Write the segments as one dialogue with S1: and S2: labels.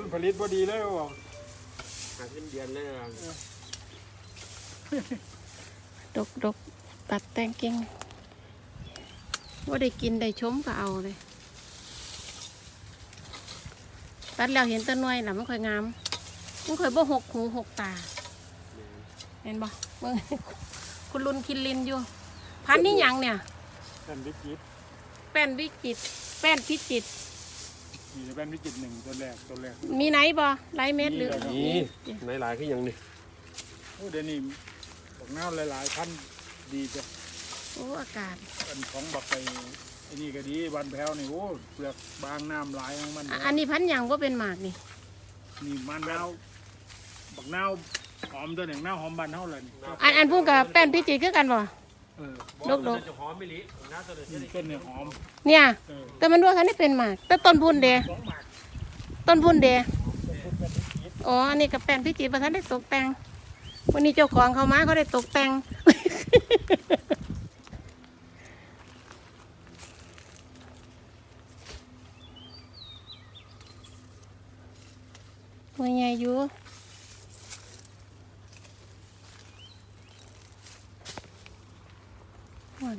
S1: ผลิตพอดีเลยบอก
S2: หาขึ้นเดือนเลย
S3: ดกตัดแต่งกิ่งว่าได้กินได้ชมก็เอาเลยตัดแล้วเห็นต้นน้อยน่ะมันค่อยงามมันค่อยบ่หกหูหกตาเห็นบ่เบิ่งคุณลุนคินลินอยู่พันนี่ยังเนี่ย
S1: แป้นวิจิต
S3: แป้นวิจิตแป้นพิจิต
S1: มีแป้นวิจิต1ตัวแรก
S3: มีไหนบ่ไรเม็ดหรือ
S2: นี่ในหลายขึ้นยังนี่
S1: เดี๋ยวนี้บอกน้ำหลายๆพันดีจ้ะ
S3: โอ้อากาศ
S1: อันของบักไอ้นี่ก็ดีบานแพ้วนี่โอ้เปลือกบางน้ำหลายของมัน
S3: อันนี้พันยังว่าเป็นหมากนี่
S1: มันนาวบักนาวหอมตัวหนึ่งนาวหอมบานเท่าเลย
S3: อันพูดกับแป้นพิจิตคือกันบ่
S2: ดกจะหอมไม่ลิน้าตัวเ
S1: ต้นเนี่ยหอม
S3: เนี่ยแต่มันด้วยคันนี้เป็นหมากแต่ต้นพุ่นเดอ๋ออันนี้กับแป้นพิจิตประทันได้ตกแต่งวันนี้เจ้าของเขามาเขาได้ตกแต่งตัวใหญ่อยู่หวาน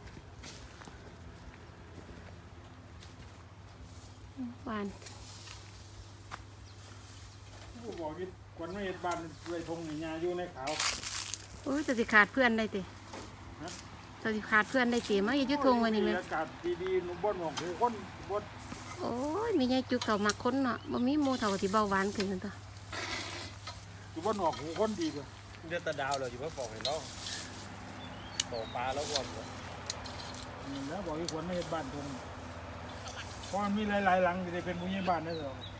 S1: บอกกินควันไม่เห็นบ้านเลยทงหนีงาอยู่ในขาว
S3: โอ้ยจะสิขาดเพื่อนได้ติจะสิขาดเพื่อนได้ติมาอยู่ทงวันนี้เลย
S1: อากาศดีๆนุ่มบนหอกหูคนบน
S3: โอ้ยมีไงจุกเต่ามักคนเนาะบ่มีโมเต่าที่เบาหวานขึ้นกันต่อ
S1: อยู่บนหอกหูคนดีกว่า
S2: เดือดตาดาวเลยอยู่ว่าฟองเห็นแล้วตกปลาแล้ววน
S1: แล้วบอกที่ควันไม่เห็นบ้านทงเพราะมันมีหลายๆหลังจะได้เป็นผู้ใหญ่บ้านได้หรอ